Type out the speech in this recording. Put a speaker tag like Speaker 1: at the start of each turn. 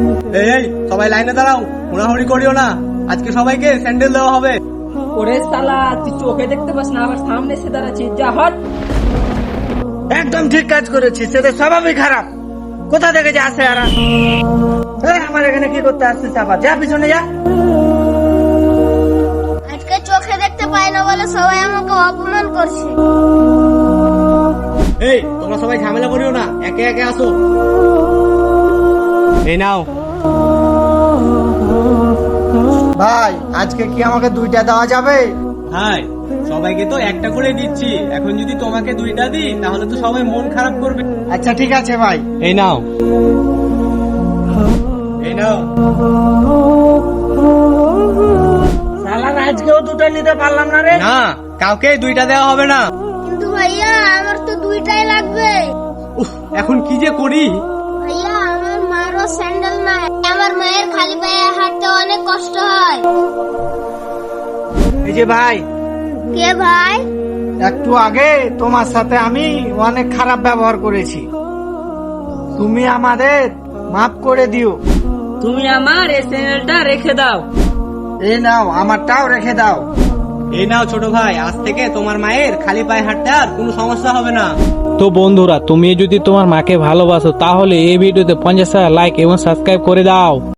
Speaker 1: এই এই সবাই লাইনে দাঁড়াও, হুড়াহুড়ি করিও না, আজকে সবাইকে স্যান্ডেল দেওয়া হবে।
Speaker 2: ওরে শালা, তুই চোখে দেখতে পাস না, আবার সামনে এসে দাঁড়াচ্ছিস, যা হট।
Speaker 3: একদম ঠিক কাজ করেছিস, সেটা স্বভাবই খারাপ। কোথা থেকে যে আসে আর আমার এখানে কি করতে আসছিস? আবার যা পিছনে যা।
Speaker 4: আজকে চোখে দেখতে পাই না বলে সবাই আমাকে অপমান করছে।
Speaker 1: এই তোমরা সবাই ঝামেলা করিও না, একে একে আসো। এই নাও।
Speaker 3: ভাই, আজকে কি আমাকে 2টা দেওয়া যাবে?
Speaker 1: হাই, সবাইকে তো একটা করে দিচ্ছি, এখন যদি তোমাকে 2টা দিই তাহলে তো সবাই মন খারাপ করবে।
Speaker 3: আচ্ছা ঠিক আছে ভাই।
Speaker 1: এই নাও, এই নাও।
Speaker 3: শালা, আজকেও 2টা নিতে পারলাম না রে।
Speaker 1: না, কাউকে 2টা দেওয়া হবে না।
Speaker 4: কিন্তু ভাইয়া আমার তো 2টাই লাগবে।
Speaker 1: উফ, এখন কি যে করি।
Speaker 4: ভাইয়া আমার মারও স্যান্ডেল নাই, আমার মায়ের খালি পায়ে হাঁটতে অনেক কষ্ট হয়।
Speaker 3: এই যে ভাই,
Speaker 4: কে ভাই?
Speaker 3: একটু আগে তোমার সাথে আমি অনেক খারাপ ব্যবহার করেছি, তুমি আমাদের মাফ করে দিও।
Speaker 2: তুমি আমার এই চ্যানেলটা রেখে দাও।
Speaker 3: এই নাও, আমারটাও রেখে দাও।
Speaker 1: এই নাও ছোট ভাই, আজ থেকে তোমার মায়ের খালি পায়ে হাঁটতে আর কোনো সমস্যা হবে না।
Speaker 5: তো বন্ধুরা, তুমি যদি তোমার মাকে ভালোবাসো তাহলে এই ভিডিওতে 50,000 লাইক এবং সাবস্ক্রাইব করে দাও।